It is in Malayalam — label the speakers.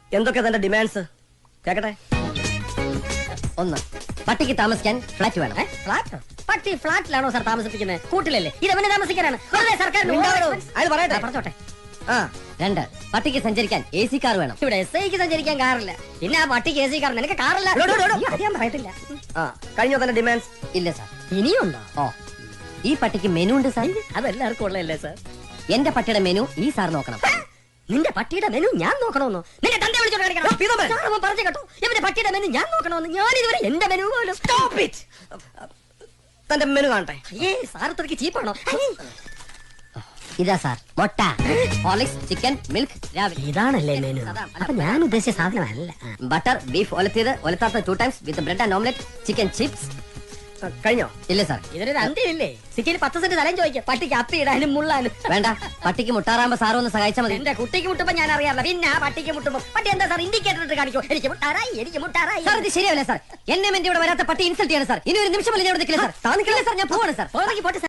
Speaker 1: എന്തൊക്കെ തന്റെ ഡിമാൻഡ്സ് കേക്കട്ടെ?
Speaker 2: ഒന്ന്, പട്ടിക്ക് താമസിക്കാൻ ഫ്ലാറ്റ് വേണം.
Speaker 3: ഫ്ലാറ്റ്? പട്ടി ഫ്ലാറ്റിലാണോ സാർ താമസിപ്പിക്കുന്നത്? കൂട്ടിലല്ലേ? ഇത് അവന് താമസിക്കാനാണ്. വെറുതെ സർക്കാരിന്
Speaker 1: അയാൾ പറയട്ടെ.
Speaker 3: പറഞ്ഞോട്ടെ.
Speaker 1: ആ,
Speaker 2: രണ്ട്, പട്ടിക്ക് സഞ്ചരിക്കാൻ AC കാർ വേണം.
Speaker 3: ഇവിടെ SI സഞ്ചരിക്കാൻ കാറില്ല, പിന്നെ ആ പട്ടിക്ക് AC കാർ. നിനക്ക് കാറില്ല? അത് ഞാൻ പറയത്തില്ല.
Speaker 1: ആ, കഴിഞ്ഞോ തന്റെ ഡിമാൻഡ്സ്?
Speaker 2: ഇല്ല സാർ.
Speaker 3: ഇനിയുണ്ടോ?
Speaker 2: ഓ, ഈ പട്ടിക്ക് മെനു ഉണ്ട് സാർ.
Speaker 3: അതെല്ലാവർക്കും ഉള്ളതല്ലേ സാർ?
Speaker 2: എന്റെ പട്ടിയുടെ മെനു ഈ സാർ നോക്കണം.
Speaker 3: നിന്റെ പട്ടിയുടെ മെനു ഞാൻ നോക്കണമെന്നോ? നിന്റെ തന്റെ വിളിച്ചോണ്ട് കാണിക്കണം.
Speaker 1: പീതമ്മേ.
Speaker 3: സാർ, അവൻ പറഞ്ഞു കേട്ടോ, ഇവന്റെ പട്ടിയുടെ മെനു ഞാൻ നോക്കണമെന്ന്. ഞാൻ ഇതുവരെ എന്റെ മെനു പോലും.
Speaker 1: തന്റെ മെനു കാണട്ടെ.
Speaker 3: സാർ ഇത്രയ്ക്ക് ചീപ്പാണോ?
Speaker 2: ഇതാ സാർ, മുട്ട, ഹോർലിക്സ്, ചിക്കൻ, മിൽക്ക്, രാവിലെ.
Speaker 3: ഇതാണല്ലേ മെനു? അപ്പൊ ഞാൻ ഉദ്ദേശിച്ച സാധനമല്ല.
Speaker 2: ബട്ടർ, ബീഫ് ഒലത്തിയത്, ഒലത്താത്ത 2 times with bread and omelette, chicken chips.
Speaker 1: ആ, കഴിഞ്ഞോ?
Speaker 2: ഇല്ല സാർ.
Speaker 3: ഇതിനൊരു അന്ത്യമില്ലേ? സിറ്റിയിൽ 10 സെന്റ് സ്ഥലം ചോദിക്കാം, പട്ടിക്ക് അപ്പി ഇടാനും മുള്ളാനും.
Speaker 2: വേണ്ട, പട്ടിക്ക് മുട്ടാറാകുമ്പോ സാർ ഒന്ന് സഹായിച്ചാൽ മതി.
Speaker 3: എന്റെ കുട്ടിക്ക് മുട്ടുമ്പോ ഞാൻ അറിയാറില്ല, പിന്നെ ആ പട്ടിക്ക് മുട്ടുമ്പോ പട്ടി എന്താ സാർ ഇൻഡിക്കേറ്റർ ഇട്ട് കാണിക്കോ? എനിക്ക് മുട്ടാറായി, എനിക്ക് മുട്ടാറായി.
Speaker 2: സാർ, ഇത് ശരിയാവില്ല സാർ. എന്നെ എന്റെ ഇവിടെ വരാത്ത പട്ടി ഇൻസൾട്ട് ചെയ്യണം സാർ. ഇനി ഒരു നിമിഷം ഞാൻ ഇവിടെ നിൽക്കില്ല സാർ. താ നിൽക്കില്ല സാർ, ഞാൻ പോവാണ് സാർ.
Speaker 3: പോട്ടെ സാർ.